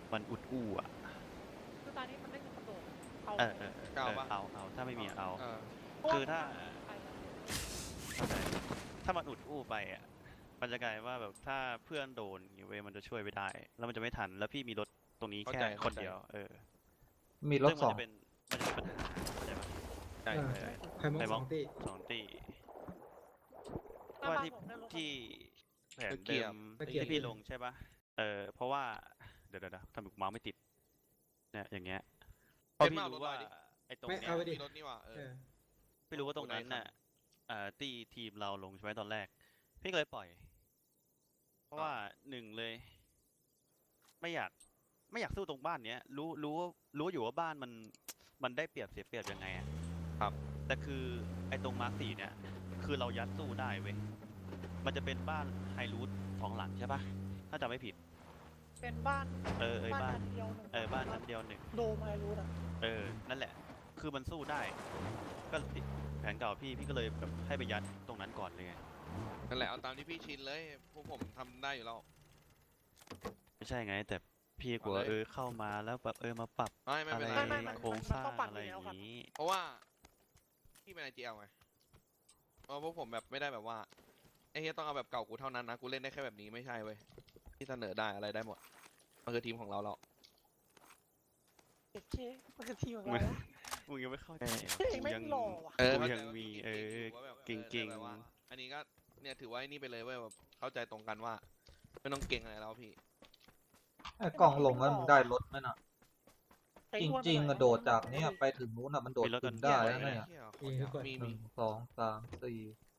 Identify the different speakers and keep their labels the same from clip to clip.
Speaker 1: มันอุดอู้อ่ะ
Speaker 2: คือตอนนี้มันไม่มีคนโดดเอา
Speaker 1: เอาถ้าไม่มีเอา
Speaker 3: เออ
Speaker 1: คือถ้า
Speaker 2: ไปแล้ว
Speaker 1: เข้าใจถ้ามันอุดอู้ไปอ่ะมันจะกลายว่าแบบถ้าเพื่อนโดนอย่างเว้ยมันจะช่วยไม่ได้แล้วมันจะไม่ทันแล้วพี่มีรถตรงนี้แค่คนเดียว
Speaker 4: มีรถ
Speaker 1: ซึ่ง
Speaker 4: สอง
Speaker 1: มันจะเป็นปัญหาเข้าใจปะ
Speaker 3: ใช่
Speaker 4: ใครมอง
Speaker 1: ไป
Speaker 4: ส
Speaker 1: บ
Speaker 4: อ
Speaker 1: ล็อก
Speaker 4: งตี
Speaker 1: สองตี
Speaker 2: หน้า
Speaker 1: ว่า
Speaker 2: บ้าน
Speaker 1: ที่
Speaker 2: ผมได้รถ
Speaker 1: ที่แผนเดิมที่พี่ลงใช่ปะเพราะว่าเดี๋ยวทำไมเมาส์ไม่ติดเนี่ยอย่างเงี้ยเพราะพี่รู้ว่าไอ้ตรงเนี้ย
Speaker 3: มีรถนี่หว่า
Speaker 1: ไม่รู้ว่าตรงนั้นน่ะตีทีมเราลงใช่ไหมตอนแรกพี่ก็เลยปล่อย เพราะว่าหนึ่งเลย ไม่อยากสู้ตรงบ้านเนี้ยรู้อยู่ว่าบ้านมันได้เปรียบเสียเปรียบยังไงอะ
Speaker 3: ครับ
Speaker 1: แต่คือไอ้ตรงมาร์คสี่เนี่ยคือเรายัดสู้ได้เว้ยมันจะเป็นบ้านไฮรูทสองหลังใช่ปะถ้าจำไม่ผิด
Speaker 2: เป็นบ้าน
Speaker 1: บ้าน
Speaker 2: ชั้นเดียวหนึ่ง
Speaker 1: บ้านชั้นเดียวหนึ่ง
Speaker 2: โดมอะไรรู้อ่ะ
Speaker 1: นั่นแหละ คือมันสู้ได้ ก็ติดแผนเก่าพี่ก็เลยแบบให้ไปยัดตรงนั้นก่อนเลยไง
Speaker 3: นั่นแหละเอาตามที่พี่ชินเลยพวกผมทำได้อยู่แล้ว
Speaker 1: ไม่ใช่ไง แต่พี่กลัว
Speaker 3: เอาเลย
Speaker 1: เข้ามาแล้วแบบมาปรับ
Speaker 3: ไม่
Speaker 1: อะไร
Speaker 3: เป็นไร
Speaker 1: โครงสร้างอะไรอย่างนี้
Speaker 3: เพราะว่าพี่เป็น IGL ไงเพราะพวกผมแบบไม่ได้แบบว่าไอ้เฮียต้องเอาแบบเก่ากูเท่านั้นนะกูเล่นได้แค่แบบนี้ไม่ใช่เว้ยที่เสนอได้อะไรได้หมดมันคือทีมของเรา
Speaker 2: เด็กเจ๊มันคือทีมของเรา
Speaker 1: มึงยังไม่เข้าใจ
Speaker 2: เองไม่หล่อว่ะ
Speaker 1: กูยังมีเก่ง
Speaker 3: แต่ว่าอันนี้ก็เนี่ยถือว่านี่ไปเลยเว้ยแบบเข้าใจตรงกันว่าไม่ต้องเก่งอะไรแล้วพี่
Speaker 4: ไอ้กล่องลงแล้วมึงได้รถไหมน่ะ จริงๆอะโดดจากเนี้ยไปถึงนู้นอะมันโดดขึ้นได้แล้วเนี่ย
Speaker 3: มี
Speaker 4: หนึ่งสองสามสี่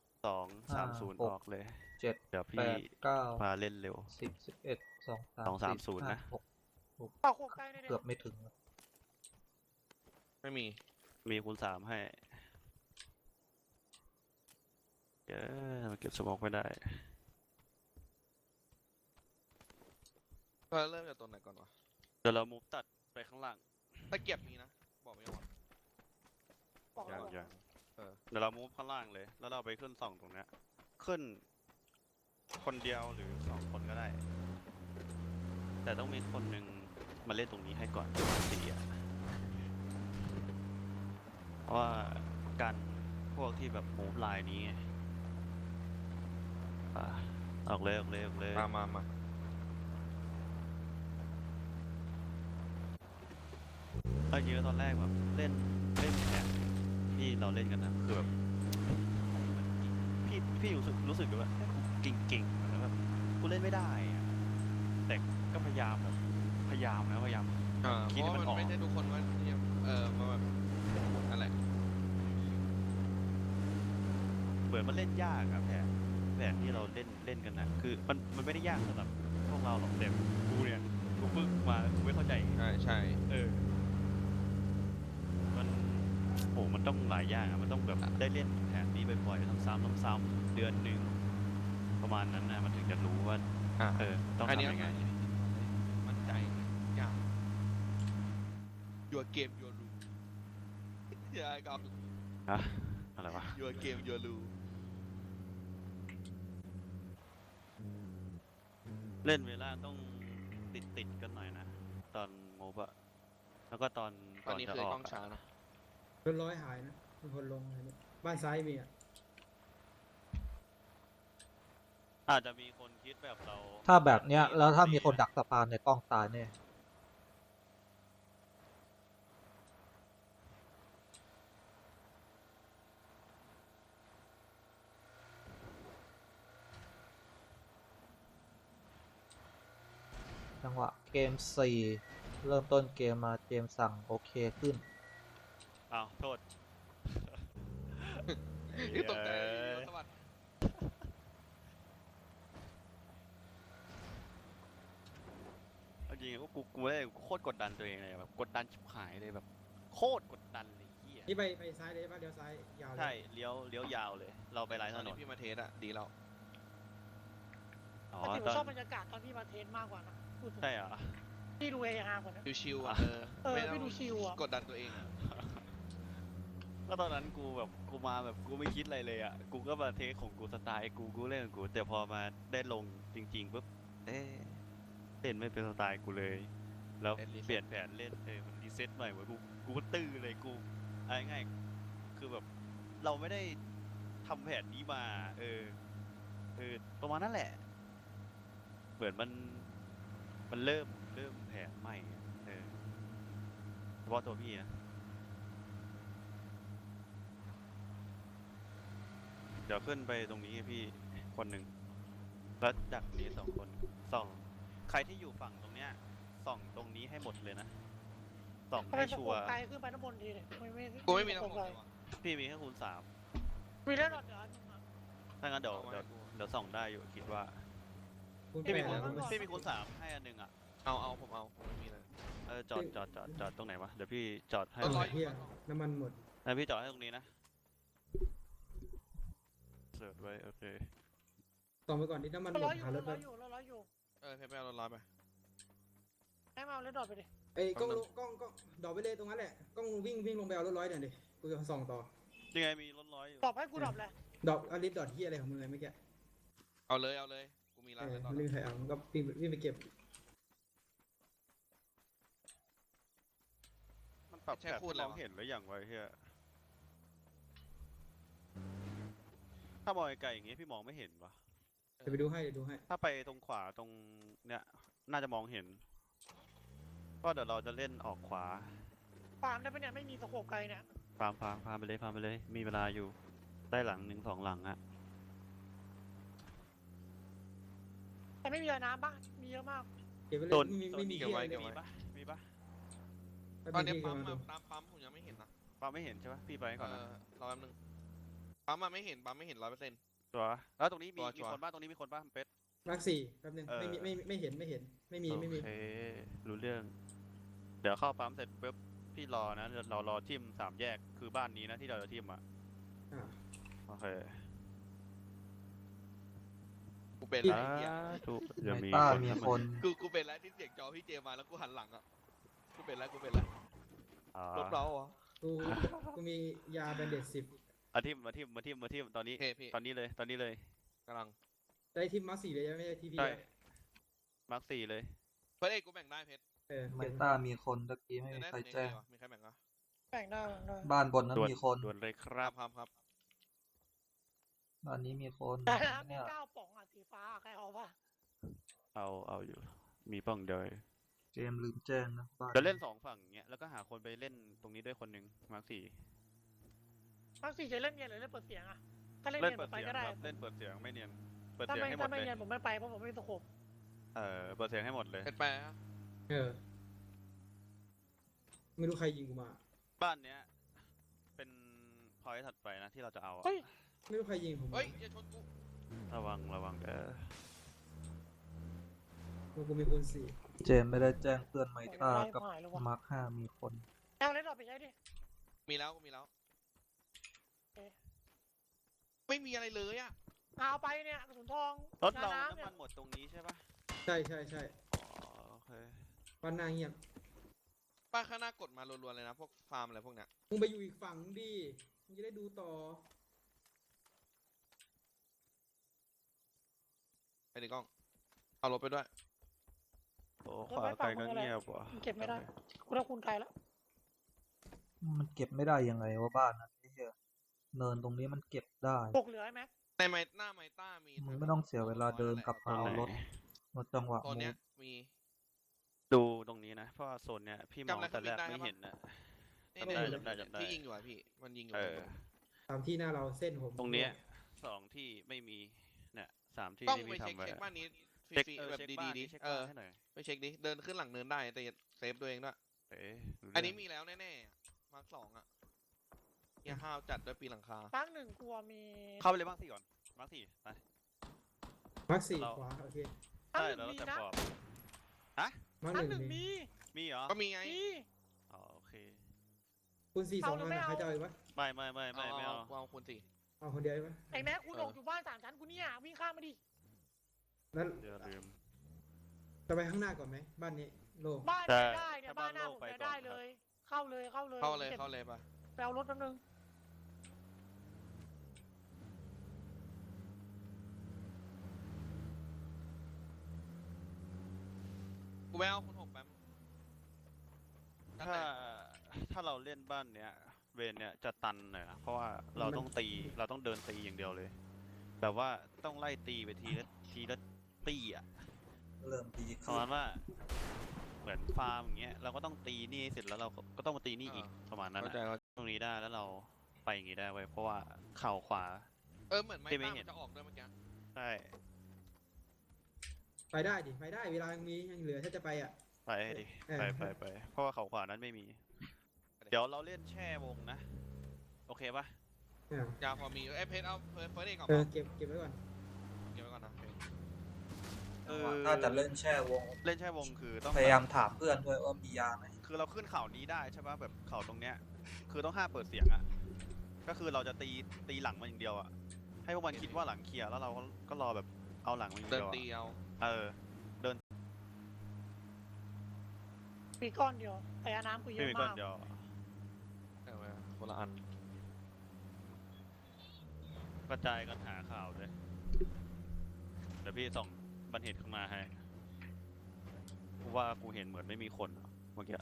Speaker 1: 2-3-0
Speaker 4: ห
Speaker 1: อก อกเลย
Speaker 4: เจ็ด
Speaker 1: เดี๋ยว
Speaker 4: แป
Speaker 1: พี่
Speaker 4: ดเก้า
Speaker 1: มาเล่นเร็ว
Speaker 4: 11
Speaker 1: 2-3-0 นะ
Speaker 4: หก
Speaker 2: ต่อโคกใกล้ได้
Speaker 4: เกือบไม่ถึง
Speaker 3: ไม่มี
Speaker 1: มีคูณ 3 ให้มันเก็บสมองไม่ได้
Speaker 3: ก็เริ่มจากตัวไหนก่อนวะ
Speaker 1: เดี๋ยวเรามุฟตัดไปข้างล่าง
Speaker 3: ตะเกียบมีนะบอกไม่ยอม
Speaker 2: บอกแล้ว
Speaker 1: ยังเดี๋ยวเรามุฟข้างล่างเลย แล้วเราไปขึ้น2ตรงเนี้ยขึ้นคนเดียวหรือ2คนก็ได้ แต่ต้องมีคนหนึ่งมาเล่นตรงนี้ให้ก่อน4อ่ะเพราะว่าการพวกที่แบบมูฟไลน์นี้ไงออกเลย
Speaker 3: มา
Speaker 1: เอาจริงๆตอนแรกแบบเล่นแบบที่เราเล่นกันนะคือแบบพี่รู้สึกว่าเก่งๆแล้วแบบกูเล่นไม่ได้อะแต่ก็พยายามนะพยายาม
Speaker 3: เพ
Speaker 1: คิด
Speaker 3: ราะ
Speaker 1: ให้มันอ
Speaker 3: มั
Speaker 1: อน ก
Speaker 3: ไม่ใช่ทุกคนว่ามาแบบนั่นแหละ
Speaker 1: เหมือนมันเล่นยากอะแผนที่เราเล่นกันนะคือมันไม่ได้ยากสำหรับพวกเราหรอกแต่กูเนี่ยกูเพิ่งมากูไม่เข้าใจ
Speaker 3: ใช่
Speaker 1: มันมันต้องหลายอย่างอะมันต้องแบบได้เล่นแผนนี้บ่อยๆซ้ำๆเดือนหนึ่งประมาณนั้นนะมันถึงจะรู้ว่าต้อง
Speaker 3: อันนี้
Speaker 1: ทำยังไง
Speaker 3: มั่นใจยากyour game your rule อย่ากับ
Speaker 1: ฮะอะไรวะ
Speaker 3: your game your rule
Speaker 1: เล่นเวลาต้องติดกันหน่อยนะตอนโมบะแล้วก็ตอน
Speaker 3: ตอนนี้
Speaker 1: จะ
Speaker 3: คือ
Speaker 1: ออก
Speaker 3: กล้องช้านะ
Speaker 5: รถร้อยหายนะมีคนลงอะไรเนี่ยบ้านซ้ายมีอ่ะ
Speaker 1: อาจจะมีคนคิดแบบเรา
Speaker 4: ถ้าแบบเนี้ยแล้วถ้ามีคนดักสะพานในกล้องตายเนี่ยจังหวะเกม 4 เริ่มต้นเกมมาเกมสั่งโอเคขึ้น
Speaker 1: อ้าวโทษ
Speaker 3: นี่ตกใจสวัสด
Speaker 1: เอาจริงๆกูเลยโคตรกดดันตัวเองเลยแบบกดดันชิบหายเลยแบบโคตรกดดันเลยเฮีย
Speaker 5: นี่ไปซ้ายเลยป่ะเลี้ยวซ้ายยาวเลย
Speaker 1: ใช่เลี้ยวยาวเลย เราไปไลน์ถ
Speaker 3: ตอน
Speaker 1: น
Speaker 3: นี้
Speaker 1: น
Speaker 3: พี่มาเทสอะดีแล้ว
Speaker 1: อ๋อ
Speaker 2: แต่ผม
Speaker 1: ตอน
Speaker 2: ชอบบรรยากาศตอนพี่มาเทนมากกว่านะพูดถึง
Speaker 1: ใช่เหรอ
Speaker 2: พี่ดูเอฮากว่านะ
Speaker 3: ชิวๆอะไม่ต้อ
Speaker 2: พี่
Speaker 3: ง
Speaker 2: ดูชิลอ่ะ
Speaker 3: กดดันตัวเองอะ
Speaker 1: ก็ตอนนั้นกูมาแบบกูไม่คิดอะไรเลยอ่ะกูก็มาเทคของกูสไตล์กูเล่นของกูแต่พอมาได้ลงจริงๆปุ๊บเล่นไม่เป็นสไตล์กูเลยแล้ว
Speaker 3: เล่น reset
Speaker 1: เปลี่ยนแผนเล่นมันรีเซ็ตใหม่เว้ยกูก็ตื้อเลยกูเอาง่ายๆคือแบบเราไม่ได้ทำแผนนี้มาประมาณนั้นแหละ เหมือนมันเริ่มแผนใหม่อะเฉพาะตัวพี่นะเดี๋ยวขึ้นไปตรงนี้พี่คนหนึ่งแล้วดักนี้2 คนส่องใครที่อยู่ฝั่งตรงเนี้ยส่องตรงนี้ให้หมดเลยนะส่อง
Speaker 2: ไป
Speaker 1: ให้
Speaker 2: ส
Speaker 1: ชั
Speaker 2: โคว ป
Speaker 1: ร์
Speaker 2: ไกลขึ้นไปน้ำบนทีเลยไม่
Speaker 3: กูไม่มี
Speaker 2: ส
Speaker 3: ทั้ง
Speaker 2: โค
Speaker 3: ห
Speaker 2: ป
Speaker 3: มด
Speaker 2: ไกล
Speaker 3: เลยวะ
Speaker 1: พี่มีแค่คูณ
Speaker 2: มีเล่นหลอดเดือนนึงอะ
Speaker 1: 3ถ้างั้นเดี๋ยว
Speaker 3: เอาไว้
Speaker 1: เดี๋ยว
Speaker 3: กู
Speaker 1: เดี๋ยวส่องได้อยู่คิดว่า
Speaker 5: คุณ
Speaker 1: พี่
Speaker 5: แป
Speaker 1: มี
Speaker 5: ด
Speaker 1: คูณ
Speaker 5: แล้ว
Speaker 1: พี่มีคูณ3ให้อันหนึงอ่ะ
Speaker 3: เอาผมไม่มีเลย
Speaker 1: จอดตรงไหนวะเดี๋ยวพี่จอดให้
Speaker 3: รถ
Speaker 5: เอา
Speaker 3: ร้อย
Speaker 5: เฮียน้ำมันหมด
Speaker 1: พี่จอดให้ตรงนี้นะเสิร์ชไว้โอเค
Speaker 5: ต่อไปก่อนที่น้ำมันหม
Speaker 2: ร้อ
Speaker 5: ด
Speaker 2: ยอยู่
Speaker 5: หารถ
Speaker 2: ร้
Speaker 5: แบ
Speaker 2: อบ ยอยู่ร้อยอยู่
Speaker 3: เพชรไปเอารถร้อยไป
Speaker 2: ให้มาเอาเล่นดอดไปดิ
Speaker 5: เอ้ยกล้องดอกไปเลยตรงนั้นแหละกล้องวิ่งลงไปเอารถร้อยหน่อยดิกูจะส่องต่อ
Speaker 1: ยังไงมีรถร้อยอยู่
Speaker 2: ดอดให้กูดอดเลย
Speaker 5: ดอกอลิสดอทเฮียอะไรของมึงเลยเมื่อกี้
Speaker 3: เอาเลยกูมีร้านแล้วตอน
Speaker 5: ไม่มีใครเอามันก็วิ่งไปเก็บ
Speaker 1: มันปรับแผนมองเห็นหรือยังวะเฮียถ้ามองไกลๆอย่างงี้พี่มองไม่เห็นวะ
Speaker 5: เดี๋ยวไปดูให้เดี๋ยวดูให้
Speaker 1: ถ้าไปตรงขวาตรงเนี่ยน่าจะมองเห็นก็เดี๋ยวเราจะเล่นออกขวา
Speaker 2: ฟาร์มได้ปะเนี่ยไม่มีสโคปไกลเนี่ย
Speaker 1: พามไปเลยมีเวลาอยู่ได้หลัง1-2 หลังอะ
Speaker 2: แต่ไม่มีอะไรน้ำบ้างมีเยอะมาก
Speaker 5: เก็บไปเลย
Speaker 1: โดน
Speaker 5: ไม่มี
Speaker 3: เก็บ
Speaker 5: เฮีย
Speaker 3: ไว้
Speaker 5: เลย
Speaker 1: มีปะ
Speaker 3: ตอนนี้
Speaker 5: ไม่
Speaker 3: ปั๊ม
Speaker 5: มี
Speaker 3: มา
Speaker 5: เฮีย
Speaker 3: ตามปั๊มผมยังไม่เห็นนะ
Speaker 1: ปาไม่เห็นใช่ปะพี่ไปก่อนนะ
Speaker 3: รอแป๊บนึงปั๊มมาไม่เห็น100%
Speaker 1: ตัวแล้วตรงนี้มี
Speaker 3: ชัวร์
Speaker 1: คนบ้างตรงนี้มีคนบ้างเป็ด
Speaker 5: มาร์ค4แป๊บนึง
Speaker 1: เออ
Speaker 5: ไม่เห็นไม่มี
Speaker 1: โอเครู้เรื่อง เดี๋ยวเข้าปั๊มเสร็จปุ๊บพี่รอนะเดี๋ยวเรารอทิม3 แยกคือบ้านนี้นะที่เราจะทิมอ่ะ
Speaker 5: อ่า
Speaker 1: โอเค
Speaker 3: กูเป็น
Speaker 1: สา
Speaker 3: ไรเหี้ย
Speaker 1: ธุเดี๋ยว
Speaker 4: ใน
Speaker 1: มี
Speaker 4: ต้า
Speaker 1: คน
Speaker 4: มีคน
Speaker 3: กูเป็นไรที่เสียงจอพี่เจมาแล้วกูหันหลังอ่ะกูเป็นไร
Speaker 1: อ่า
Speaker 3: ลบเราเหรอ
Speaker 5: กูมียาแบนเดต10
Speaker 1: มาทิมตอนนี้
Speaker 3: เฮ้พี่
Speaker 1: ตอนนี้เลย
Speaker 3: กำลัง
Speaker 5: ได้ทีมมาร์ค4เลยไม่ใช่ทีพี
Speaker 1: ใช่มาร์ค4เลย
Speaker 3: เพื่อนเอกกูแบ่งได้เพชร
Speaker 4: ในต้ามีคนตะกี้ไม่มีใครแจ้ง
Speaker 3: มีใครแบ่งอ่ะ
Speaker 2: แบ่งได้
Speaker 4: บ้านบนนั้น
Speaker 1: ด่วน
Speaker 4: มีคน
Speaker 1: ด่วนเลยครับ
Speaker 3: ครับ
Speaker 4: บ้านนี้มีคน
Speaker 2: แต่น้ำมี
Speaker 4: เนี่ย
Speaker 2: 9 ป่องอ่ะสีฟ้าใครเอาป่ะ
Speaker 1: เอาอยู่มีป้องเดย
Speaker 4: เกมลืมแจ้งนะบ้าน
Speaker 1: เดี๋ยวเล่น2 ฝั่งเงี้ยแล้วก็หาคนไปเล่นตรงนี้ด้วยคนหนึ่งมาร์ค4
Speaker 2: บางสีจะเล่นเนียนหรือเล่นเปิดเสียงอ่ะถ้าเล่น
Speaker 1: เล่
Speaker 2: เนี
Speaker 1: น
Speaker 2: ยนผ
Speaker 1: เปิด
Speaker 2: มไป
Speaker 1: เสียง
Speaker 2: ก็ได้
Speaker 1: ครับเล่นเปิดเสียงไม่เนียนเปิด
Speaker 2: ถ้า
Speaker 1: เสียง
Speaker 2: ไม่
Speaker 1: ให้หม
Speaker 2: ถ้า
Speaker 1: ด
Speaker 2: ไม่
Speaker 1: เลย
Speaker 2: เนียนผมไม่ไปเพราะผมไม่มีสโคป
Speaker 1: เปิดเสียงให้หมดเลย
Speaker 3: เพชรไปฮะ
Speaker 5: ไม่รู้ใครยิงกูมา
Speaker 1: บ้านเนี้ยเป็นพอยต์ถัดไปนะที่เราจะเอาอะ
Speaker 2: เฮ้ย
Speaker 5: ไม่รู้ใครยิงผม
Speaker 3: เฮ้ยอย่าชนกู
Speaker 1: ระวัง
Speaker 5: กูมีคูณ
Speaker 4: เจมไม่ได้แจ้งเพื่อนไมต้ากับ
Speaker 2: หายแล้ววะ
Speaker 4: มาร์ค5มีคน
Speaker 2: เอาเล่นดอดไปใช้ดิ
Speaker 3: มีแล้วไม่มีอะไรเลยอ่ะ
Speaker 2: เอาไปเนี่ยกระสุนทอง
Speaker 1: รถเรา
Speaker 2: ยา
Speaker 1: น้ำ
Speaker 2: เนี่ย
Speaker 1: มันหมดตรงนี้ใช่ปะ
Speaker 5: 4ใช่
Speaker 1: อ๋อโอเค
Speaker 5: บ้านหน้าเงียบ
Speaker 3: ป้าข้างหน้ากดมารัวๆเลยนะพวกฟาร์มอะไรพวกเนี้ย
Speaker 5: มึงไปอยู่อีกฝั่งดิมึงจะได้ดูต่อ
Speaker 3: ไปดิกล้องเอารถไปด้วย
Speaker 1: โอ้ขวาไกลก็เงียบว่ะ
Speaker 2: เก็บไม่ได้กูได้คูณไกลแล้ว
Speaker 4: มันเก็บไม่ได้ยังไงว่าบ้านนั้นไอ้เหี้ยเนินตรงนี้มันเก็บได้
Speaker 2: ตกเหลือไหม
Speaker 3: ในหน้าไมต้ามี
Speaker 4: มึงไม่ต้องเสียเวลาเดินกลับมาเอารถรถจังหวะ
Speaker 3: ตอน
Speaker 4: มู
Speaker 3: เนี้ย
Speaker 4: ฟ
Speaker 3: มี
Speaker 1: ดูตรงนี้นะเพราะว่าโซนเนี้ยพี่มอง
Speaker 3: จำอะไร
Speaker 1: แต่แรก
Speaker 3: เขาบินได้
Speaker 1: ไม่
Speaker 3: ปะ
Speaker 1: เห็นนะ
Speaker 3: นี่
Speaker 1: จำได้
Speaker 3: ที่ยิงอยู่อ่ะพี่มันยิงอยู่
Speaker 5: ตามที่หน้าเราเส้นผม
Speaker 1: ตรงเนี้ย2 ที่ไม่มีเนี่ย3 ที่
Speaker 3: ต้อง
Speaker 1: ที่
Speaker 3: ไป
Speaker 1: พี่
Speaker 3: เช็ค
Speaker 1: ทำไว้
Speaker 3: บ้านนี้ฟ
Speaker 1: เช็ค
Speaker 3: รี
Speaker 1: เออ
Speaker 3: ๆแบบ
Speaker 1: เช็ค
Speaker 3: ดี
Speaker 1: บ้าน
Speaker 3: ๆดิ
Speaker 1: เช็คบ้านให้หน่อย
Speaker 3: ไปเช็คดิเดินขึ้นหลังเนินได้แต่เซฟตัวเองด้วย
Speaker 1: เอ๊ะรู้
Speaker 3: อันนี้
Speaker 1: เรื่ง
Speaker 3: มีแล้วแน่ๆมาร์ค2อ่ะเฮียห้าวจัดด้วยปีหลังคา
Speaker 2: ตั้งหนึ่งกลัวมี
Speaker 1: เข้าไปเลยมาร์ค4ก่อนมาร์ค4ไป
Speaker 5: มาร์ค
Speaker 1: เรา
Speaker 5: 4ขวาโอเค
Speaker 2: ตั้ง
Speaker 1: ใช่
Speaker 2: หนึ่ง
Speaker 1: แล้วเรา
Speaker 2: มี
Speaker 1: จะ
Speaker 2: นะ
Speaker 1: ปอบ
Speaker 5: มาร์ค
Speaker 2: ตั้ง
Speaker 5: 1
Speaker 2: หนึ่ง
Speaker 5: มี
Speaker 2: มี
Speaker 1: เหรอ
Speaker 3: ก็มีไง
Speaker 2: มี
Speaker 1: อ๋อโอเค
Speaker 5: คูณ4
Speaker 2: เอา
Speaker 5: 2
Speaker 2: หรือ
Speaker 5: อัน
Speaker 2: ไม่
Speaker 5: อะ
Speaker 2: เอา
Speaker 5: ใครจะเอาอีกวะ
Speaker 1: ไม่เอา
Speaker 3: เอาคูณ4
Speaker 5: เอาคนเดียวอีกวะ
Speaker 2: ไอ้แม็กคุณออกอยู่บ้าน3 ชั้นกูเนี่ยวิ่งข้ามมาดิ
Speaker 5: แล้ว
Speaker 1: เดี๋ยวลืม
Speaker 5: จะไปข้างหน้าก่อนไหมบ้านนี้โล่ง
Speaker 2: บ้าน
Speaker 1: ใช่
Speaker 2: เนี่ยได้เนี่ย
Speaker 1: ถ้า
Speaker 2: บ้านหน้า
Speaker 1: บ้านโล่
Speaker 2: ผม
Speaker 1: ไป
Speaker 2: เนี่ย
Speaker 1: ก่อน
Speaker 2: ได้
Speaker 1: ครับ
Speaker 2: เลย เข้าเลย
Speaker 3: เข้าเลย
Speaker 2: ก็บ
Speaker 3: ป่ะ
Speaker 2: ไปเอารถแป๊บนึง
Speaker 3: กูไปเอาคูณ6แป๊บ
Speaker 1: ถ้าเราเล่นบ้านเนี้ยเวนเนี้ยจะตันหน่อยนะเพราะว่าเราต้องตีเราต้องเดินตีอย่างเดียวเลย แบบว่าต้องไล่ตีไปทีละตีอ่ะ
Speaker 4: เริ่มดี
Speaker 1: ป
Speaker 4: ขึ้
Speaker 1: ระ
Speaker 4: น
Speaker 1: มาณว่าเหมือนฟาร์มอย่างเงี้ยเราก็ต้องตีนี่ให้เสร็จแล้วเราก็ต้องมาตีนี่อีกประมาณนั้น
Speaker 3: เข้าใจ
Speaker 1: อะ
Speaker 3: ว่า
Speaker 1: ตรงนี้ได้แล้วเราไปอย่างงี้ได้เว้ยเพราะว่าเข่าขวา
Speaker 3: เหมือนไม้
Speaker 1: ที่ไม่
Speaker 3: ตั้ง
Speaker 1: เห็
Speaker 3: มัน นจะออกด้วยเมื่อกี้
Speaker 1: ใช่
Speaker 5: ไปได้ดิไปได้เวลายังมียังเหลือถ้าจะไปอ่ะ
Speaker 1: ไปให้ดิ
Speaker 5: เออ
Speaker 1: ไปเพราะว่าเข่าขวานั้นไม่มี เดี๋ยวเราเล่นแช่วงนะ โอเคปะ
Speaker 3: ยาพอมีเพชรเอาเฟิร์สเองก่อน
Speaker 5: เออ
Speaker 3: เปล่า
Speaker 5: เก็บไว้ก่อน
Speaker 3: เก็บไว้ก่อนนะเพชร
Speaker 4: ถ้าจะเล่นแช่วง
Speaker 1: เล่นแช่วงคือต้อง
Speaker 4: พยายามถามเพื่อนด้วยว่ามียาไหม
Speaker 1: คือเราขึ้นเขานี้ได้ใช่ปะแบบเขาตรงเนี้ย คือต้องห้ามเปิดเสียงอะก็คือเราจะตีหลังมันอย่างเดียวอะให้พวกมันคิดว่าหลังเคลียร์แล้วเราก็รอแบบเอาหลังมันอย่าง
Speaker 3: เดิน
Speaker 1: เดียวอะ
Speaker 3: ตีเอา
Speaker 1: เออ
Speaker 2: มีก้อนเดียวแต่น้ำกูเย
Speaker 1: ไม่
Speaker 2: อะ
Speaker 1: มีก้อ
Speaker 2: มาน ก
Speaker 1: เดียว
Speaker 3: เอาไว้คนละอัน
Speaker 1: กระจายกันหาข่าวเลยเดี๋ยวพี่ส่องบันเหตุข้างหน้าให้กูว่ากูเห็นเหมือนไม่มีคนอะเมื่อกี้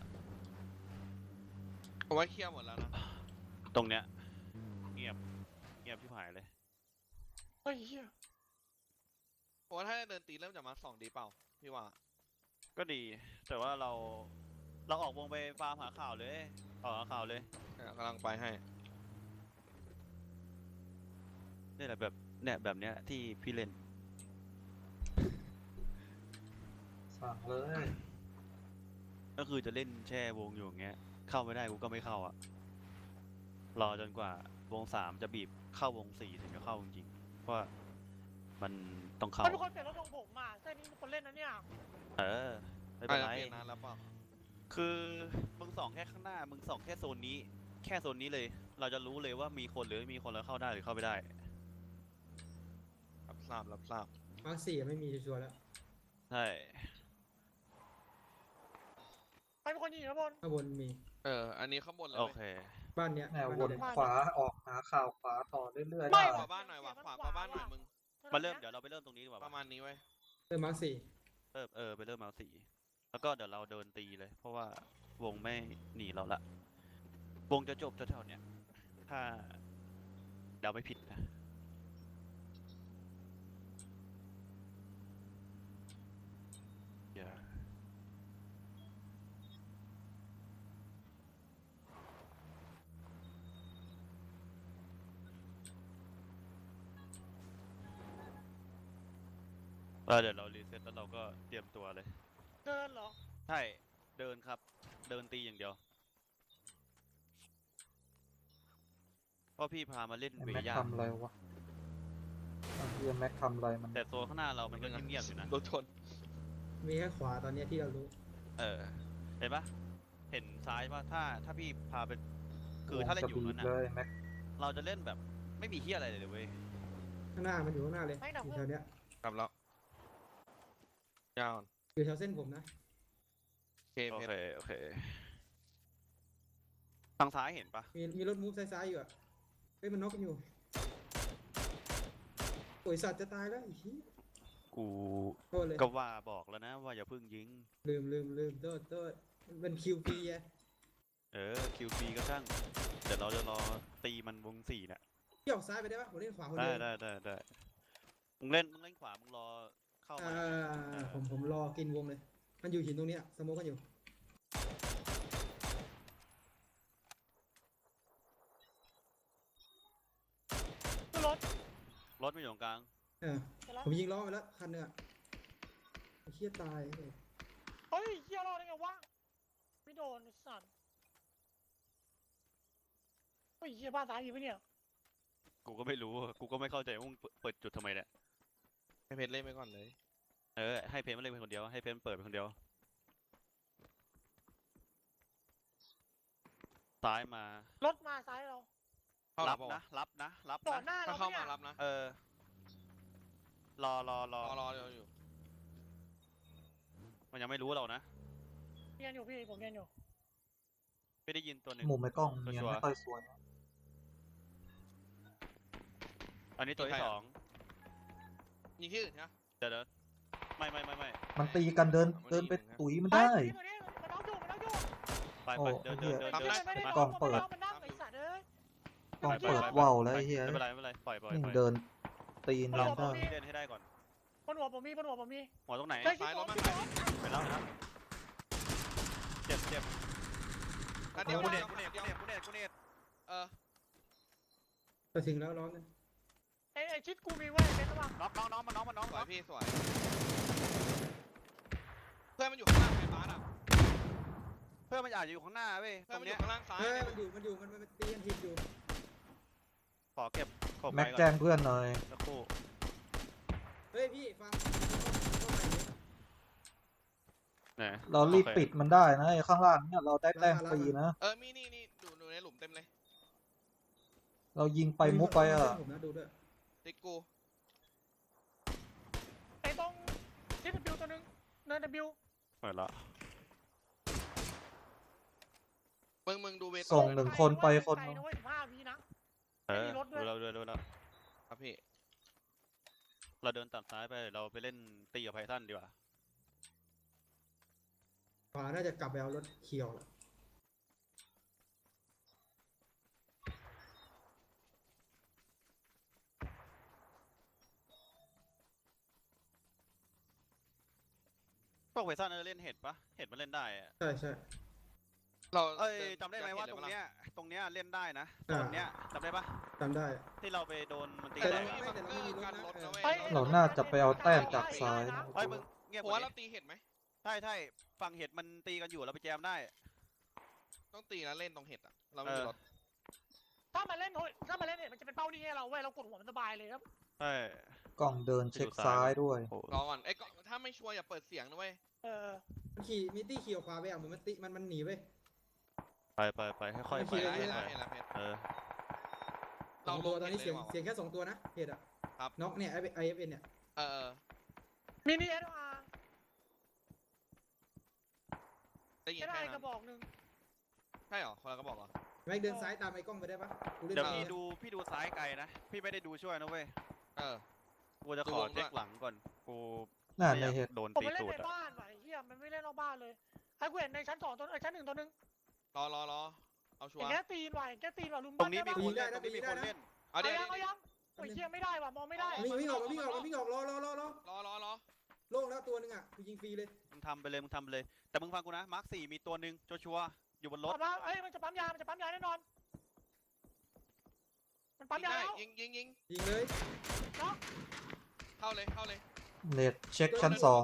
Speaker 3: ผมว่าเคลียร์หมดแล้วนะ
Speaker 1: ตรงเนี้ยเงียบที่หายเลย
Speaker 2: เฮ้ยเหี้ย
Speaker 3: ผมว่าถ้าเดินตีเริ่มจากมาสองดีเปล่าพี่ว่า
Speaker 1: ก็ดี แต่ว่าเราออกวงไปฟาร์มหาข่าวเลยออกหาข่าวเลย
Speaker 3: กำลังไปให้
Speaker 1: นี่แหละแบบแบบเนี้ยที่พี่เล่น
Speaker 4: สั่งเลย
Speaker 1: ก็คือจะเล่นแช่วงอยู่อย่างเงี้ย เข้าไม่ได้กูก็ไม่เข้าอะรอจนกว่าวง3จะบีบเข้าวง4ถึงจะเข้าจริงๆเพราะว่ามันต้องเข้า
Speaker 2: มันเป็นคนเปลี่ยนรถของผมอ่ะเส้นนี้เป็นคนเล่นนะเนี่ย
Speaker 1: เออไม่เป็นไร
Speaker 3: เปลี่ยนนานแล้วเปล่า
Speaker 1: คือมึงส่องแค่ข้างหน้ามึงส่องแค่โซนนี้ แค่โซนนี้เลย เราจะรู้เลยว่ามีคนหรือไม่มีคนแล้วเข้าได้หรือเข้าไม่ได้
Speaker 3: รับทราบ
Speaker 5: มาร์ค4ไม่มีชัวร์ๆแล้ว
Speaker 1: ใช่
Speaker 2: ใครเป็นคนยิงนะบน
Speaker 5: ข้างบนมี
Speaker 3: อันนี้ข้างบนเลย
Speaker 1: โอ
Speaker 3: เว้ย
Speaker 1: เค
Speaker 5: บ้านเนี้ย
Speaker 4: แนว
Speaker 5: บ้า
Speaker 4: วน
Speaker 5: เนี้ย
Speaker 4: ขวาออกหาข่าวขวาต่อเรื่อยๆ
Speaker 2: ไม่
Speaker 4: ได้
Speaker 3: ขวาบ้านหน่อยว่ะขวาบ้านหน่อยมึง
Speaker 1: มาเริ่มเดี๋ยวเราไปเริ่มตรงนี้ดีกว่า
Speaker 3: ประมาณนี้เว้ย
Speaker 5: มาร์ค4
Speaker 1: ไปเริ่มมาสี่แล้วก็เดี๋ยวเราเดินตีเลย เพราะว่าวงไม่หนีเราละ วงจะจบแถวๆเนี้ยถ้าเดาไม่ผิดนะอย่าเดี๋ยวเรารีเซ็ตแล้วเราก็เตรียมตัวเลย
Speaker 2: เดินเหรอ
Speaker 1: ใช่ เดินครับ เดินตีอย่างเดียว เพราะพี่พามาเล่น
Speaker 4: ไอ้
Speaker 1: เว
Speaker 4: แม็ก
Speaker 1: ย่า
Speaker 4: ทำอะไรวะไอ้เฮียแม็กทำอะไรมัน
Speaker 1: แต่ตัวข้างหน้าเรามันก็เงียบๆอยู่นะ
Speaker 3: รถชน
Speaker 5: มีแค่ขวาตอนเนี้ยที่เรารู้
Speaker 1: เออ เห็นปะเห็นซ้ายว่าถ้าพี่พาไปคือถ้าเล่นอยู่นั้น
Speaker 4: วงจะบีบ
Speaker 1: น่ะ
Speaker 4: เลยแม็ก
Speaker 1: เราจะเล่นแบบไม่มีเฮียอะไรเลยเว้ย
Speaker 5: ข้างหน้ามันอยู่ข้างหน้าเลย
Speaker 2: ไม่ดับ
Speaker 5: อยู่
Speaker 2: เพื่
Speaker 5: แถ
Speaker 2: อน
Speaker 5: วเนี้ย
Speaker 3: กลับแล้วยาว
Speaker 5: อยู่แถวเส้นผมนะ
Speaker 3: เค
Speaker 1: โอ
Speaker 3: เพช
Speaker 1: เค
Speaker 3: ร
Speaker 1: โอเค ทางซ้ายเห็นปะ
Speaker 5: มีรถมูฟซ้ายๆอยู่อ่ะเฮ้ยมันน็อกกันอยู่โอ้ยสัตว์จะตายแล้วอีกที
Speaker 1: กู
Speaker 5: โทษเลย
Speaker 1: ก็ว่าบอกแล้วนะว่าอย่าเพิ่งยิง
Speaker 5: ลืมโทษมันเป็นคิวปีไง
Speaker 1: คิวฟีก็ช่าง เดี๋ยวเราจะรอตีมันวง4น่ะ
Speaker 5: พี่ออกซ้ายไปได้ปะผมเล่นขวาคน
Speaker 1: ได้
Speaker 5: เดียว
Speaker 1: ได้มึงเล่นขวามึงรอเข้ามา
Speaker 5: ผมรอกินวงเลย มันอยู่หินตรงเนี้ยสโมกกันอยู่
Speaker 2: ขึ้นรถ
Speaker 1: รถไม่อยู่ตรงกลาง
Speaker 5: เออ
Speaker 2: ไปแล้ว
Speaker 5: ผมยิงล้อไปแล้วคันหนึงอ่ะไอ้เหี้ยตายเลย
Speaker 2: เฮ้ยเหี้ยรอดได้ไงวะไม่โดนไอ้สัตว์เฮ้ยเหี้ยบ้านซ้ายมีปะเนี่ย
Speaker 1: กูก็ไม่รู้ กูก็ไม่เข้าใจว่ามึงเปิดจุดทำไมเนี่ย
Speaker 3: ให้เพชรเล่นไปก่อนเลย
Speaker 1: ให้เพนมาเล่นเป็นคนเดียว ให้เพนเปิดเป็นคนเดียว ซ้ายมา
Speaker 2: รถมาซ้ายเรา
Speaker 3: เข้า
Speaker 1: รั
Speaker 3: รับบ บอก
Speaker 1: นะ รับนะ รับ
Speaker 2: ต่อ
Speaker 1: นะ
Speaker 2: หน้า
Speaker 3: ถ้า
Speaker 2: เรา
Speaker 3: เข้า
Speaker 2: ปะ
Speaker 3: มา
Speaker 2: เนี่ย
Speaker 3: รับนะ
Speaker 1: รอ
Speaker 3: รออยู่
Speaker 1: มันยังไม่รู้เรานะ
Speaker 2: เรียนอยู่พี่ผมเรียนอยู่
Speaker 1: ไม่ได้ยินตัวหนึ่ง
Speaker 4: มุมไอ้กล้องเนียน
Speaker 1: ชัวร์
Speaker 4: ไม่ค่อยสวย
Speaker 1: อันนี้ตัวที่ 2
Speaker 3: ยิงที่อื่นใช่ไหม
Speaker 1: เดี๋ยวไม่
Speaker 4: มันตีกันเดินไปตุ๋ยมันได้
Speaker 2: เฮ้ยตัวนี้มันเอาอยู่
Speaker 1: โไป
Speaker 4: โอ้
Speaker 1: เดิน
Speaker 4: เหี้ย
Speaker 1: เดิน
Speaker 2: ไอ้
Speaker 1: เดิ
Speaker 2: เหี้ย
Speaker 1: น
Speaker 2: ไม่ได้
Speaker 1: มาก
Speaker 4: ล้องเปิด
Speaker 2: มันนั่งไอ้สัตว์เอ้ย
Speaker 4: กล้อง
Speaker 2: ไป
Speaker 4: เปิด
Speaker 2: ไป
Speaker 4: ว่าวแล้วไอ้เหี้ย
Speaker 1: ไม่เป็นไรไม่เป็นไรปล่อย
Speaker 4: นี่
Speaker 1: ปล่อย
Speaker 4: เดินตีน
Speaker 1: เรา
Speaker 4: ยัน
Speaker 1: ต้อ
Speaker 4: ได้
Speaker 1: งเล่นให้ได้ก่อน
Speaker 2: บนหัวผมมีบนหัวผมมี
Speaker 1: หัวตรงไหน
Speaker 2: เฮ้ย
Speaker 3: ซ้ายรถมา
Speaker 2: ที่
Speaker 3: ซ้าย
Speaker 2: หัว
Speaker 1: ไปแล้วนะครับเจ็บ
Speaker 3: นัดเดียว
Speaker 1: กู
Speaker 3: นัด
Speaker 1: เน
Speaker 3: เดี
Speaker 1: ต
Speaker 3: ยว
Speaker 1: กูเนตกูเนต
Speaker 3: เออ
Speaker 5: จะถึงแล้วร้อนกัน
Speaker 2: ไอ้ชิดกูมีไว้เป็นระหว่าง
Speaker 1: น้องมัน
Speaker 3: สวยพี่สวยเพื่อนมันอยู่ข้างล่างไฟฟ้าอ่ะ
Speaker 1: เพื่อนมันอาจจะอยู่ข้างหน้าเว้ย
Speaker 3: เพื่
Speaker 1: ต
Speaker 3: อน
Speaker 1: รง
Speaker 3: มันอ
Speaker 1: เนี้ย
Speaker 3: ยู่ข้างล่างซ้าย
Speaker 5: เฮ้ย
Speaker 3: เนี่ย
Speaker 5: มันตีกันทีอยู่
Speaker 1: ขอเก็บขบ
Speaker 4: แม็ก
Speaker 1: ไว้ก่
Speaker 4: แจ้
Speaker 1: อน
Speaker 4: งเพื่อนหน่อย
Speaker 1: สักครู่
Speaker 5: เฮ้ยพี่ฟังเข้าไปดิ
Speaker 1: ไหน
Speaker 4: เรารีบ
Speaker 1: โอค
Speaker 4: ปิดมันได้นะไอ้ข้างล่างเนี่ยเราได้แต้มฟรีนะ
Speaker 3: มีนี่ดูในหลุมเต็มเลย
Speaker 4: เรายิงไปมุกไปอ่ะ
Speaker 5: ผมนะดูด้วย
Speaker 3: ติ๊กกู
Speaker 2: ไอ้ตรงชิดบิวตัวนึงเนินบิว
Speaker 1: เปิดละ
Speaker 3: มึงดูเวท
Speaker 4: ส่งหนึ่งคนไปคน
Speaker 2: ไกล
Speaker 4: นึง
Speaker 2: นะเว้ย15 วินะ
Speaker 1: เออ
Speaker 2: ไม่มีรถด้วย
Speaker 1: ดูแล้ว
Speaker 3: ครับพี่
Speaker 1: เราเดินตัดซ้ายไปเราไปเล่นตีกับไพทันดีกว่า
Speaker 5: ขวาน่าจะกลับไปเอารถเขียวละ
Speaker 1: พวกไพทันเล่นเห็ดปะเห็ดมันเล่นได้อะ
Speaker 5: ใช่ใช่
Speaker 3: เรา
Speaker 1: เอ้ยจำได้ไหมว่าตรงเนี้ยเล่นได้นะตรงเนี้ยจำได้ปะ
Speaker 5: จำได้
Speaker 1: ที่เราไปโดนมันตี
Speaker 5: แต่
Speaker 1: แต
Speaker 5: เรา
Speaker 1: ก
Speaker 5: ไม่
Speaker 1: อะ
Speaker 5: แต่เราไม่มีรถ
Speaker 3: กัน
Speaker 5: นะ
Speaker 3: รถนะเว้ย
Speaker 2: เฮ้ย
Speaker 4: เราน่าจะไปเอาแต้มจากซ้าย
Speaker 1: เฮ้ยมึงเงียบ
Speaker 3: ผม
Speaker 1: กว่า
Speaker 3: ว่าเรา
Speaker 1: นี้
Speaker 3: ตีเห็ดไหม
Speaker 1: ใช่ฝั่งเห็ดมันตีกันอยู่เราไปแจมได้
Speaker 3: ต้องตีนะเล่นตรงเห็ดอ่ะเราไม่มีรถ
Speaker 2: ถ้ามันเล่นเนี่ยมันจะเป็นเป้านี่ให้เราเว้ยเรากดหัวมันสบายเลยครับ
Speaker 1: ใช่
Speaker 4: กล้องเดินเช็คซ้ายด้วย
Speaker 1: โอ้
Speaker 3: รอก่อนไอ้ก็ถ้าไม่ชัวร์อย่าเปิดเสียงนะเว้ย
Speaker 5: มันขี่มิตี้ขี่ออกขวาไปอ่ะเหมือนมันหนีไป
Speaker 1: ไปค่อยๆ
Speaker 5: โอ
Speaker 1: ไป
Speaker 5: เค
Speaker 3: เห็น
Speaker 1: ค่
Speaker 3: แล้
Speaker 1: อ
Speaker 3: วย เห็นแล้วเพชร
Speaker 1: ๆเออ
Speaker 5: สองตัวตอนนี้เสียงแค่2 ตัวนะเหตุอ่ะ
Speaker 3: ครับ
Speaker 5: น็อกเนี่ยIFN เนี่ย
Speaker 3: เออ
Speaker 2: มินิSR
Speaker 3: ได้ยิน
Speaker 2: ได้
Speaker 3: แค่
Speaker 2: ก
Speaker 3: นั้
Speaker 2: ระ
Speaker 3: น
Speaker 2: บอกนึง
Speaker 3: ใช่เหรอคนละก็บอกเหรอ
Speaker 5: แม็กเดินซ้ายตามไอ้กล้องไปได้ปะกูเล่น
Speaker 1: เดี๋ยว
Speaker 5: ซ้าย
Speaker 1: พี่ดูซ้ายไกลนะพี่ไม่ได้ดูช่วยนะเว้ย
Speaker 3: เออ
Speaker 1: กูจะขอเช็คหลังก่อนกู
Speaker 4: น่า
Speaker 1: ไม่อ
Speaker 4: ใน
Speaker 1: ยาก
Speaker 4: เหตุ
Speaker 1: โดน
Speaker 2: ผม
Speaker 1: ตี
Speaker 2: ไม่เล่น
Speaker 1: ตูด
Speaker 2: ใน
Speaker 1: อะ
Speaker 2: บ้านว่ะไอ้เหี้ยมันไม่เล่นนอกบ้านเลยไอ้กูเห็นในชั้น2ตัวชั้น1ตัวนึง
Speaker 3: รอเอาชัว
Speaker 2: ไอ้
Speaker 3: ร์
Speaker 2: แกตีนว่ะไอ้แกตีนว่ะลุม
Speaker 1: ตรงนี้มี
Speaker 2: บ้า
Speaker 1: คนเล่นตรงนี้มีคนเล่น
Speaker 3: เอา
Speaker 2: เอา
Speaker 3: เดี๋ยว
Speaker 2: ยังเอายังโอ้ยเหี้ยไม่ได้ว่ะมองไม่ได้
Speaker 5: วิ่งออกรอ
Speaker 3: รอ
Speaker 5: โล่งแล้วตัวนึงอ่ะกูยิงฟรีเลย
Speaker 1: มึงทำไปเลยแต่มึงฟังกูนะมาร์ค4มีตัวหนึ่งชัวร์ๆอยู่บนรถ
Speaker 2: ถมาเอ้ยมันจะปั๊มยาแน่นอนมันปั๊ม
Speaker 3: ยิง
Speaker 2: ยา
Speaker 3: ได้
Speaker 2: แล้ว
Speaker 3: ยิง
Speaker 5: ยิงเลย
Speaker 3: เข้าเลย
Speaker 4: เน็ตเช็คชั้น
Speaker 5: ในโล่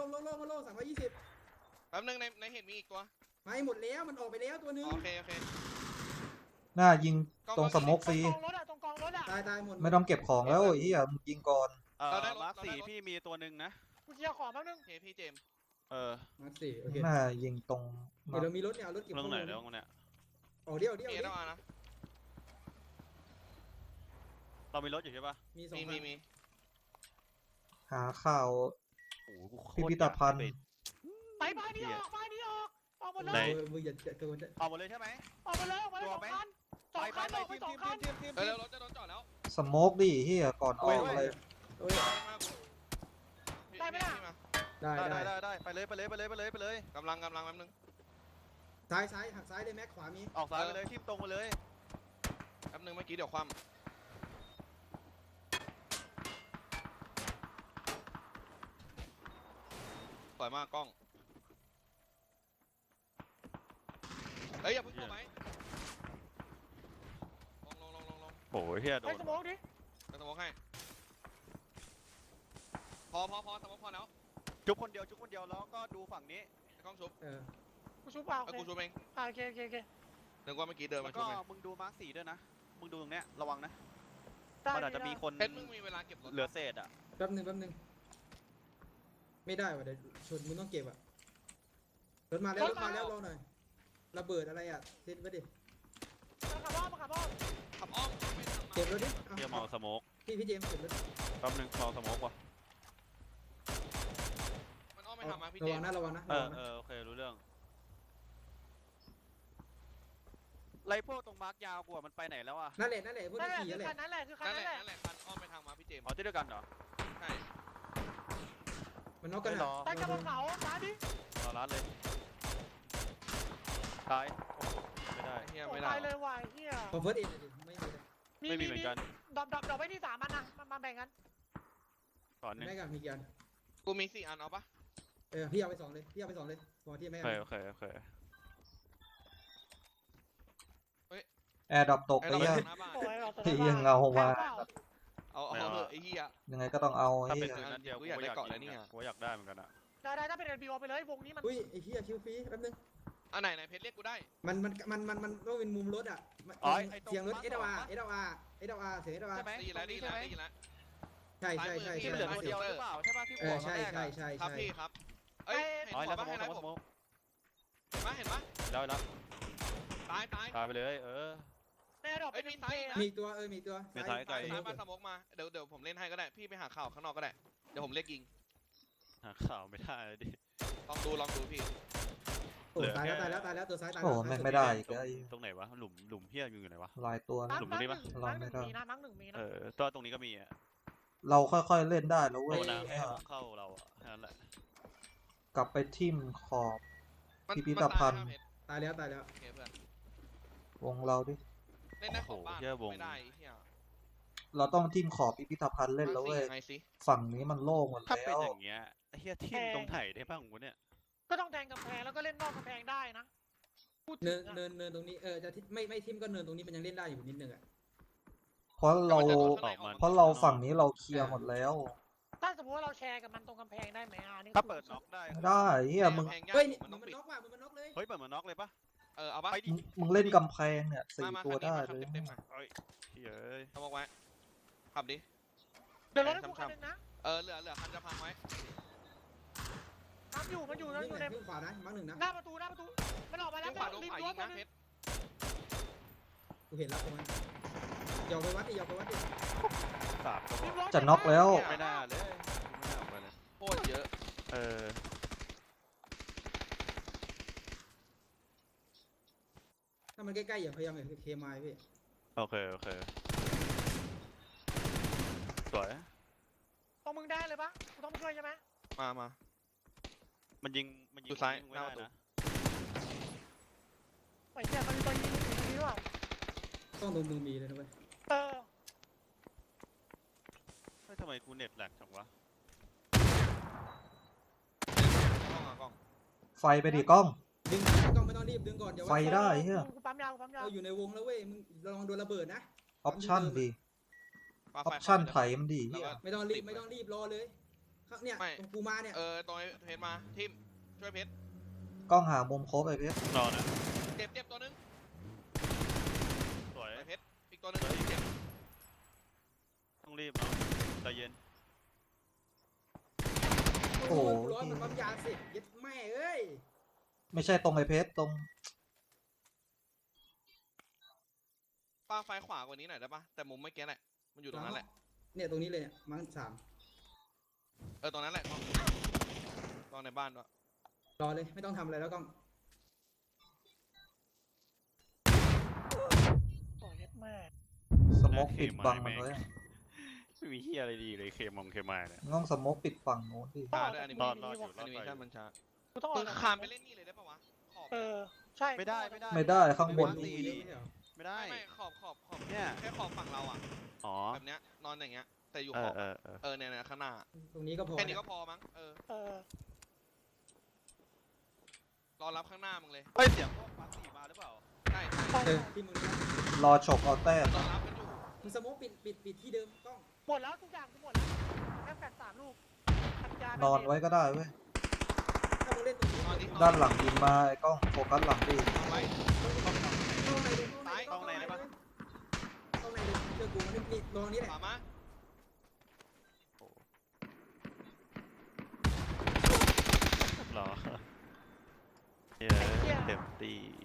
Speaker 5: 320
Speaker 3: แป๊บนึงในเห็ดมีอีกตัว
Speaker 5: ไม่หมดแล้วมันออกไปแล้วตัวนึง
Speaker 3: โอเค
Speaker 4: 2 หน้ายิงตรงสโมกฟรี
Speaker 2: ตรงกองรถอะตรงกองรถอะ
Speaker 5: ตายหมด
Speaker 4: ไม่ต้องเก็บของแล้วไอ้เหี้ยมึงยิงก่อน
Speaker 1: มาร์ค4พี่มีตัวหนึ่งนะ
Speaker 2: กูเคลียร์ของแป๊บนึง
Speaker 3: โอเคพี่เจมส์
Speaker 5: มาสิโอเค
Speaker 4: หน้ายิงตรง
Speaker 5: เดี๋ยวเรามีรถเนี่ยเอารถเก็บ
Speaker 1: เรื่องไหนแล้วเนี่ย
Speaker 5: ออกเดียว
Speaker 3: มีแล้วนะ
Speaker 1: เรามีรถอยู่ใช่ปะ
Speaker 5: มี2 คัน
Speaker 3: มี
Speaker 4: หาข่าว
Speaker 1: โอ้โหกูโคตร
Speaker 4: พิพิธภัณฑ์
Speaker 2: ไปนี่ออกออกหมดเล
Speaker 1: ไหน
Speaker 2: ย
Speaker 5: มึงอย่าเกิน
Speaker 1: เอาหมดเลยใช่ไหม
Speaker 2: ออกหมดเลย2 คัน2 คันออกไป2 คัน
Speaker 3: เออรถจะโดนจอดแล้ว
Speaker 4: สโมกดิเหี้ยก่อนออกอะไร
Speaker 2: ได้ไหมล่ะ
Speaker 5: ได้
Speaker 1: ได้ไปเลย
Speaker 3: กำลังแป๊บนึง
Speaker 5: ซ้ายหักซ้ายเลยแม็กขวามี
Speaker 1: ออกซ้ายไปเลยทิ่มตรงไปเลย
Speaker 3: แป๊บนึงเมื่อกี้เดี๋ยวคว่ำสวยมากกล้องเฮ้ยอย่าเพิ่งเข้าไหมลง
Speaker 1: โอ้ยเฮียโด
Speaker 2: ให้
Speaker 1: น
Speaker 2: สโมกดิ
Speaker 3: จะสมองให้พอสมองพอแล้ว
Speaker 1: จุกคนเดียวแล้วก็ดูฝั่งนี้
Speaker 3: ไอ้กล้องชุบ
Speaker 2: กูชูเปล่า
Speaker 3: ไอ้กูชุบเอง
Speaker 2: โอเค
Speaker 3: นึกว่าเมื่อกี้เดิน
Speaker 1: แล้
Speaker 3: มาว ชุ
Speaker 1: ก็
Speaker 3: บเอง
Speaker 1: มึงดูมาร์ค4ด้วยนะมึงดูตรงเนี้ยระวังนะ
Speaker 2: ได้
Speaker 1: มันอาจจะมีคน
Speaker 3: เพชรมึงมีเวลาเก็บรถ
Speaker 1: เหลือเศษอ่ะ
Speaker 5: แป๊บนึงไม่ได้ว่ะเดี๋ยวชนมึงต้องเก็บอ่ะรถมาแล้วรอหน่อยระเบิดอะไรอ่ะเซตไว้ดิ
Speaker 2: มาขับอ้อม
Speaker 3: ขับอ้อมไม่ทำมา
Speaker 5: เก็บรถดิ
Speaker 1: เฮียเมาสโมก
Speaker 5: พี่เจมส์เก็บรถ
Speaker 1: แป๊บนึงเมาสโมกว่ะ
Speaker 3: มันอ้อมไม่ทำมาพี่
Speaker 5: ระ
Speaker 3: เจ
Speaker 5: วั
Speaker 3: ม
Speaker 5: ง
Speaker 3: ส์
Speaker 5: นะระวังนะ
Speaker 1: โอเครู้เรื่องไรพวกตรงมาร์กยาวกว่ามันไปไหนแล้วอ่ะ
Speaker 5: นั่นแหละพวก
Speaker 2: นั่น
Speaker 5: ที่
Speaker 2: แหละ
Speaker 5: ขี่
Speaker 2: คือ
Speaker 5: นั่นแห
Speaker 2: คั
Speaker 5: ละ
Speaker 2: นนั้นแหละคือคัน
Speaker 3: นั่น
Speaker 2: นั้น
Speaker 3: แห
Speaker 2: แห
Speaker 3: ละ
Speaker 2: ละ
Speaker 3: คันอ้อมไปทางมาพี่เจมส์
Speaker 1: เอาที่ด้วยกันเหรอ
Speaker 3: ใช่
Speaker 5: มันน็อกกัน
Speaker 1: ไม่รอ
Speaker 2: ไปกับเขาร้านดิ
Speaker 1: รอร้านเลยตายโอ้โหไม่ได้
Speaker 3: ไอ้เฮีย
Speaker 2: โอ้
Speaker 3: ไม่
Speaker 2: ตา
Speaker 3: ได้
Speaker 2: ยเลยว่ะไอ้เฮีย
Speaker 5: ขอเฟิร์สเอ็ดดิไม่มีเลย
Speaker 1: ไม่มีเหมือนกัน
Speaker 2: ดรอปไปที่3 อันนะมาแบ่งกัน
Speaker 1: ก่อนหนึง
Speaker 5: แม่กับมีกี่อัน
Speaker 3: กูมี4 อันเอาปะ
Speaker 5: พี่เอาไป2เลยพี่เอาไป2เลยพอที่แม่
Speaker 1: โอเคโอเค
Speaker 4: แอร์ดรอปตก
Speaker 3: ไอ้
Speaker 4: ไป
Speaker 3: เราไป
Speaker 4: ยัง
Speaker 3: หน้าบ้าน
Speaker 2: โอ้ยเราตัว
Speaker 4: ที่ยังเอามา
Speaker 3: เอาเถอะไอ้เฮีย
Speaker 4: ยังไงก็ต้องเอาไอ้
Speaker 1: ถ้าเป็น
Speaker 4: เหี้ย
Speaker 1: ปืนนัดเดียว
Speaker 3: กูอยากได้เกาะ
Speaker 1: ยิ
Speaker 3: แล้ว
Speaker 1: ง
Speaker 3: นี่ไง
Speaker 1: กูอยากได้เหมือนกันอะ
Speaker 2: ได้ถ้าเป็น NBO ไปเลยวงนี้มัน
Speaker 5: อุ้ยไอ้เหี้ยคิวฟรีแป๊บนึง
Speaker 3: อันไหนเพชรเรียกกูได้
Speaker 5: มันต้องเป็นมุมรถอ่ะเสียงรถ SLR เสียง SLR
Speaker 3: ได้ยินแล้วได้ยินแล้วได้ยินแล้ว
Speaker 5: ใช่
Speaker 6: ที่เหลือตัวเดียวหรือเปล่าใช่ป่ะที่หัว
Speaker 5: ใช่
Speaker 6: ตอนแรก
Speaker 5: ใช่
Speaker 6: อะ
Speaker 5: ใช่
Speaker 3: ครับ
Speaker 5: ใช่
Speaker 3: พี่ครับเอ้ยเห็น
Speaker 1: อ๋อ
Speaker 3: หั
Speaker 1: แล้ว ว
Speaker 3: ปะ
Speaker 1: สม
Speaker 3: เห็
Speaker 1: อน ง
Speaker 3: นะ
Speaker 1: สมอง
Speaker 3: เห็นปะ
Speaker 1: แล้ว
Speaker 3: ตาย
Speaker 1: ตายไปเลย
Speaker 2: ในดรอป
Speaker 3: เอ้
Speaker 2: เป็
Speaker 3: ย
Speaker 2: น
Speaker 3: มีซ้าย
Speaker 2: เพ
Speaker 3: อีกนะ
Speaker 5: มีตัวมีตัว
Speaker 1: มีท้ายไกล
Speaker 3: ซ้ายมาสมกมาเดี๋ยวผมเล่นให้ก็ได้พี่ไปหาข่าวข้างนอกก็ได้เดี๋ยวผมเรียกยิง
Speaker 1: หาข่าวไม่ได้เลยดิ
Speaker 3: ลองดูพี่
Speaker 5: โอ้ตายแล้วตัวซ้ายตาย
Speaker 4: โอ้แม่งไม่ได้อีกแล้วไอ้
Speaker 1: ตรงไหนวะหลุมเฮียอยู่ไหนวะ
Speaker 4: ลายตัว
Speaker 2: มา
Speaker 4: นะ
Speaker 2: ร์ค
Speaker 1: หลุมนี้ปะ
Speaker 2: มาร์คหนึ่งมีนะมาร์คหนึ่งมีนะ
Speaker 1: ตัวตรงนี้ก็มีอะ
Speaker 4: เราค่อยๆเล่นได้แล้วเว้
Speaker 1: โด
Speaker 4: ย
Speaker 1: นน้ำแค่เข้าเราอะแค่นั้นแหละ
Speaker 4: กลับไปทิมขอบ
Speaker 3: มัน
Speaker 4: พิพิธภัณฑ์
Speaker 3: ตายแล้วเพชร
Speaker 5: ตายแล้ว
Speaker 3: โอเคเพื่อน
Speaker 4: วงเราดิ
Speaker 3: เล่นได้ของบ้านไม่ได้เฮีย
Speaker 4: เราต้องทิมขอบพิพิธภัณฑ์เล่นแล้วเว้ย
Speaker 3: ไงสิ
Speaker 4: ฝั่งนี้มันโล่งหมด
Speaker 1: ถ้าเป็น
Speaker 4: แล้ว
Speaker 1: อย่างเงี้ยไอ้เฮียทิ่มตรงไหนได้บ้างวะเนี่ย
Speaker 2: ก็ต้องแทงกำแพงแล้วก็เล่นนอกกำแพงได้นะพูดถึ
Speaker 5: เนิ
Speaker 2: ง
Speaker 5: น
Speaker 2: อะ
Speaker 5: เนินตรงนี้จะไม่ทิมก็เนินตรงนี้มันยังเล่นได้อยู่นิดนึงอ่ะ
Speaker 4: เพราะเรา เพราะเราฝั่งนี้เราเคลียร์หมดแล้ว
Speaker 2: ถ้าสมมติว่าเราแชร์กับมันตรงกำแพงได้ไหมอันนี้
Speaker 1: ถ้าเปิดน็อกได้
Speaker 4: ไม่ได้เฮียมึง
Speaker 5: เฮ้ย
Speaker 3: มัน
Speaker 5: มั
Speaker 3: ต้อน งปิด
Speaker 5: น็อกว่ะมันน็อกเลย
Speaker 1: เฮ้ยเปิดมาน็อกเลยปะ
Speaker 3: เอาปะ
Speaker 1: ไปดิ
Speaker 4: มึงเล่นกำแพงเนี่ยสี่
Speaker 3: มา
Speaker 4: ตัวได้
Speaker 3: คัน
Speaker 4: เล
Speaker 3: นี้
Speaker 4: ย
Speaker 3: เต็มๆมา
Speaker 1: เฮ้ยเฮ้ย
Speaker 3: เอาบอกไว้ขับดิ
Speaker 2: เดี๋ยวรถให้กูคันนึงนะ
Speaker 3: เหลือคันจะพังไว้
Speaker 2: มันอยู่ใน
Speaker 5: วิ่งขวานะมาร์คหนึ่งนะ
Speaker 2: หน้าประตูมันออกมาแล้ว
Speaker 3: ขวาโดน
Speaker 2: ริม
Speaker 3: ขวา
Speaker 2: รั้ว
Speaker 3: ยิง
Speaker 2: ตัว
Speaker 3: นะ
Speaker 2: นึง
Speaker 3: เพชร
Speaker 5: กูเห็นแล้วตรงนั้นอย่าไปวัดดิ
Speaker 1: สามก็พ
Speaker 2: ริ
Speaker 1: อ
Speaker 2: มรั้ว
Speaker 4: จะน็อกแล้ว
Speaker 1: ไม่น่าเลยไม่น่าออกไปเลย
Speaker 3: โคตรเยอะ
Speaker 1: เออ
Speaker 5: ถ้ามันใกล้ๆอย่าพยายามเคมายพี่
Speaker 1: โอเคสวย
Speaker 2: ตรงมึงได้เลยปะกูต้องมาช่วยใช่ไหม
Speaker 3: มา
Speaker 1: มันยิง
Speaker 3: ดูซ้าย
Speaker 1: ไม่
Speaker 3: หน้า
Speaker 1: ได้
Speaker 3: ประตู
Speaker 1: นะ
Speaker 2: ไอ้เหี้ยมันมีตัวยิงอยู่ตรงนี้ด้วย
Speaker 5: ต้องตรงมึงมีเลยนะเว้ย
Speaker 2: เออ
Speaker 1: เฮ้ยทำไมกูเน็ตแหลกจังวะ
Speaker 3: กล้อง
Speaker 4: ไฟไปดิกล้อง
Speaker 5: ดึงกล้องไม่ต้องรีบดึงก่อนอย่า
Speaker 4: ไฟได้เหี้ย
Speaker 2: กูปั๊มยาว
Speaker 5: เราอยู่ในวงแล้วเว้ยมึงลองโดนระเบิดนะ
Speaker 4: ออปชั่นดิ
Speaker 3: ปา
Speaker 4: อ
Speaker 3: ไฟ
Speaker 4: อปชั่นไถมันดี
Speaker 3: แล้ว
Speaker 4: เฮีย
Speaker 3: ก็
Speaker 5: ไม่ต้องรีบรอเลยเนี่ยตรงกูมาเนี่ย
Speaker 3: ตรงเพชรมาทิมช่วยเพชร
Speaker 4: กล้องหามุมครบไอ้เพชร
Speaker 1: รอนะ
Speaker 3: เจ็บตัวนึง
Speaker 1: สวย
Speaker 3: เพชรอีกตัวนึงเจ็บ
Speaker 1: ต้องรีบเนาะใจเย็น
Speaker 5: โอ้โหร้อนมันปั๊มยาสิยัดแม่เอ้ย
Speaker 4: ไม่ใช่ตรงไอ้เพชรตรง
Speaker 3: ปาไฟขวากว่านี้หน่อยได้ปะแต่มุมเมื่อกี้แหละมันอยู่ตรงนั้นแหละ
Speaker 5: เนี่ยตรงนี้เลยเนี่ยมั้ง3
Speaker 3: ตรงนั้นแหละกล้องในบ้านด้วย
Speaker 5: รอเลยไม่ต้องทำอะไรแล้วกล้อง
Speaker 2: โอ้ยแม่
Speaker 4: สโมกปิดบังมันไว้
Speaker 1: ไม่มีเฮียอะไรดีเลยเคมายเนี่ย
Speaker 4: ง่องสโมกปิดฝั่งโน้นดิ
Speaker 3: ช้าด้วยอนิเม
Speaker 1: รอ
Speaker 3: ชั่น
Speaker 1: ดอยู่
Speaker 3: อนิเมชั่นมันช้า
Speaker 2: กูต้องอ
Speaker 3: มึ
Speaker 2: อก
Speaker 3: งคามไปเล่นนี่เลยได้ปะวะขอบ
Speaker 2: ใช่
Speaker 1: ไม่ได้
Speaker 4: ไม่ได้ข้างบน
Speaker 1: ตี
Speaker 5: ดี
Speaker 1: ดิไม่ได้
Speaker 3: ไม่ขอบ
Speaker 1: เนี่ย
Speaker 3: แค่ขอบฝั่งเราอ่ะ
Speaker 1: อ๋อ
Speaker 3: แบบเนี้ยนอนอย่างเงี้ยแต่อยู่
Speaker 1: เอ
Speaker 3: ขอ
Speaker 1: อบ
Speaker 3: เนี่ยข้างหน้า
Speaker 5: ตรงนี้ก็พอ
Speaker 3: แค่นี้ก็พอมั้งรอรับข้างหน้ามึงเลย
Speaker 1: เฮ้ยเสียงพวกปั๊สี่มาหรือเปล่า
Speaker 3: ใช่
Speaker 5: ที่มึง
Speaker 4: รอฉกเอาแต้ม
Speaker 3: รอรับกันอยู่
Speaker 5: มึงสโมกปิดที่เดิมกล้อง
Speaker 2: หมดแล้วทุกอย่างกูหมดแล้วแค่แฟด3 ลูก
Speaker 4: นอนไว้ก็ได้เว้ย
Speaker 5: ถ้ามึงเล่นตรงนี้
Speaker 3: นอนดิ
Speaker 4: ด้านหลังยิงมาไอ้กล้องโฟกัสหลังดิ
Speaker 3: เอาไว้
Speaker 5: เข้าในเลยเจอกูนี่ลองนี้แหละ
Speaker 3: ขวามา
Speaker 1: หรอเฮ้ยเต็มตี